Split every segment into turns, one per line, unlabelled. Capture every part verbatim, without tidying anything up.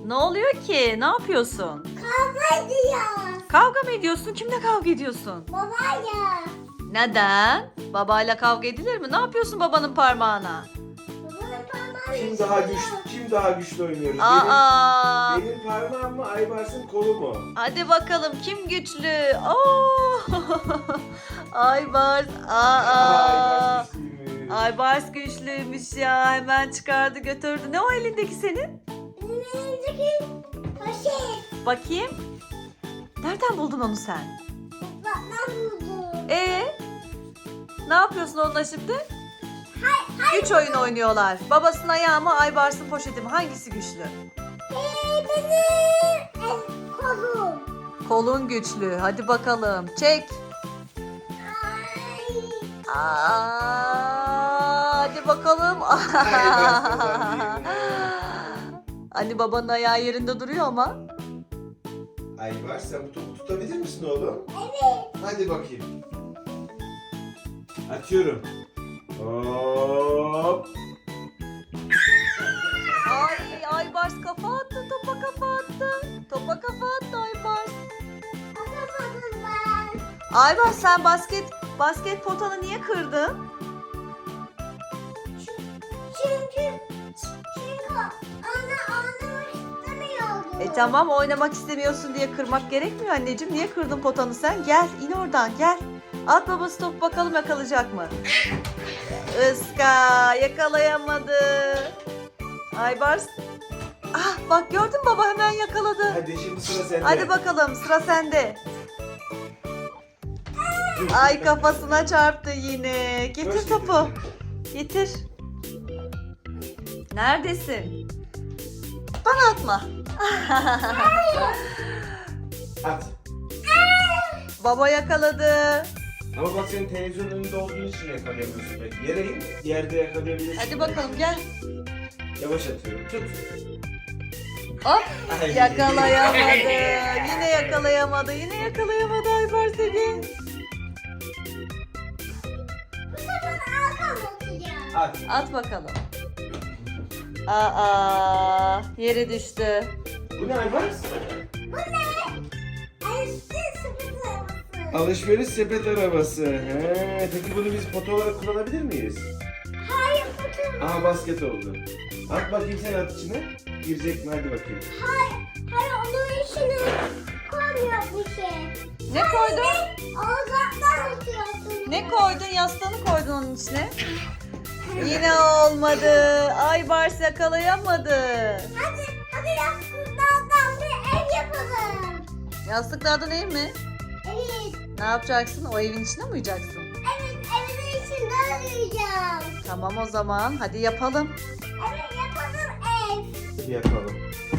Ne oluyor ki? Ne yapıyorsun?
Kavga ediyoruz.
Kavga mı ediyorsun? Kimle kavga ediyorsun?
Babayla.
Neden? Babayla kavga edilir mi? Ne yapıyorsun babanın parmağına?
Babanın parmağı
Kim daha güçlü, kim daha güçlü oynuyoruz?
Aa!
Benim, benim parmağım mı, Aybars'ın kolu mu?
Hadi bakalım kim güçlü? Oo! Aybars. Aa!
Aybars güçlüymüş.
Aybars güçlüymüş ya. Hemen çıkardı götürdü. Ne o elindeki senin?
Benim elimdeki poşet.
Bakayım. Nereden buldun onu sen?
Babamdan buldum.
Ee? Ne yapıyorsun onunla şimdi?
Hay, hay.
Güç oyun oynuyorlar. Babasının ayağı mı, Aybars'ın poşeti mi? Hangisi güçlü?
Hey, benim el kolum.
Kolun güçlü. Hadi bakalım. Çek.
Ay.
Aa, hadi bakalım.
Aybars kazandı.
Hani babanın ayağı yerinde duruyor ama.
Aybars, sen bu topu tutabilir misin oğlum?
Evet.
Hadi bakayım. Atıyorum. Hop.
Ay, Aybars kafa attı. Topa kafa attı. Topa kafa attı Aybars.
Atamadım ben.
Aybars sen basket basket potanı niye kırdın?
Çünkü çünkü ana anlamak istemiyordum.
E tamam, oynamak istemiyorsun diye kırmak gerekmiyor anneciğim. Niye kırdın potanı sen? Gel, in oradan, gel. At babası top, bakalım yakalayacak mı? Iska yakalayamadı. Aybars. Ah bak, gördün mü, baba hemen yakaladı.
Hadi şimdi sıra sende.
Hadi bakalım, sıra sende. Ay, kafasına çarptı yine. Getir
Hoş
topu.
getirdin.
Getir. Neredesin? Bana atma.
At.
Baba yakaladı.
Ama bak, senin televizyonun önünde olduğun için yakalayamıyorsun belki. Yere in, yerde yakalayabilirsin.
Hadi bakalım, gel.
Yavaş atıyorum. Tut.
Hop.
Ay.
Yakalayamadı. Yine yakalayamadı. Yine yakalayamadı Aybars seni.
Bu sefer arkam atacağım.
At.
At bakalım. Aa, yere düştü.
Bu ne Aybars?
Bu ne? Elbise sepet arabası.
Alışveriş sepet arabası. He, peki bunu biz foto olarak kullanabilir miyiz?
Hayır kutu.
Aha, basket oldu. At bakayım, sen at içine. Girecek mi? Hadi bakayım.
Hayır. Hayır onun içine koymuyor bir şey.
Ne koydun?
Ağzından atıyorsun.
Ne koydun? Yastığını koydun onun içine. Yine olmadı. Aybars yakalayamadı.
Hadi hadi yastıklardan bir ev yapalım.
Yastıklardan ev mi?
Evet.
Ne yapacaksın? O evin içine mi uyuyacaksın?
Evet evin içinde arayacağım.
Tamam o zaman. Hadi yapalım.
Evet yapalım ev.
Hadi yapalım.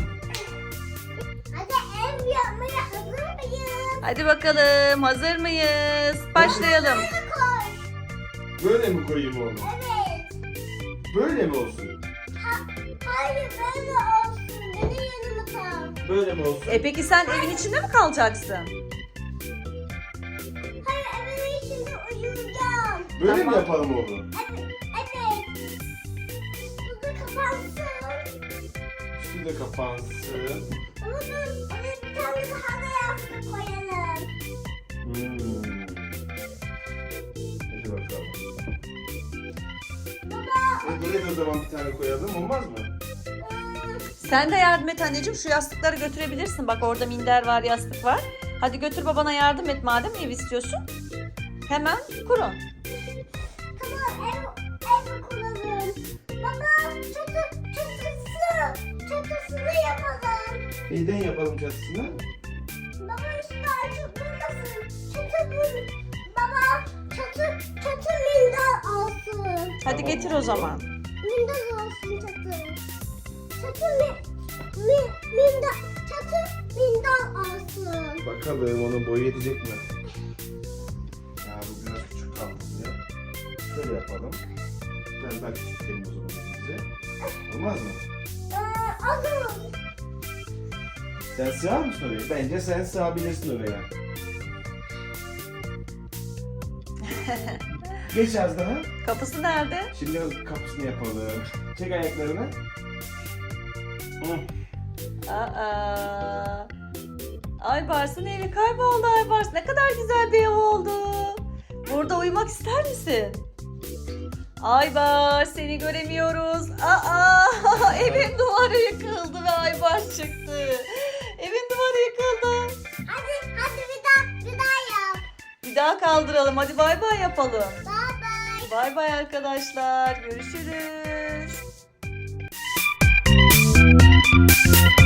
Hadi ev yapmaya hazır mıyız?
Hadi bakalım. Hazır mıyız? Başlayalım.
Hadi koy.
Böyle mi koyayım oğlum?
Evet.
Böyle mi olsun?
Ha, hayır böyle olsun. Benim yanıma kal.
Böyle mi olsun?
E peki sen evin içinde mi kalacaksın?
Hayır evin içinde uyuyacağım.
Böyle
Tamam.
mi yapalım oğlum?
Evet. Evet. Burada kapansın.
Üstü de kapansın.
Ama dur. Evet bir tane daha da yastık koyalım.
Hmm. Hadi bakalım.
Baba.
E, buraya da o zaman bir tane koyalım, olmaz mı?
ıı,
Sen de yardım et anneciğim. Şu yastıkları götürebilirsin. Bak orada minder var, yastık var. Hadi götür babana yardım et madem ev istiyorsun. Hemen kurun.
Tamam ev, ev kuralım. Baba çatı, çatısı, çatısını yapalım.
Neyden yapalım çatısını?
Baba üstü açık durmasın. Çatı bu. Baba çatı, çatı minder olsun.
Hadi getir o zaman.
Minder olsun çatı. Çatı mi, mi, minder, çatı minder olsun.
Bakalım onun boyu yetecek mi? Ya bu biraz küçük kaldı ya. Şöyle yapalım. Ben daha küçültelim o zaman bize. Olmaz mı?
Ee, olur.
Sen sığar mısın oraya? Bence sen sığabilirsin oraya. Geç az daha.
Kapısı nerede?
Şimdi kapısını yapalım. Çek ayaklarını. Hı.
Aa. Aybars'ın evi kayboldu Aybars. Ne kadar güzel bir ev oldu. Burada uyumak ister misin? Aybars seni göremiyoruz. Aa, evin duvarı yıkıldı ve Aybars çıktı. Evin duvarı yıkıldı.
Hadi hadi bir daha bir daha yap.
Bir daha kaldıralım. Hadi bay bay yapalım.
Bye bye.
Bay bay arkadaşlar. Görüşürüz.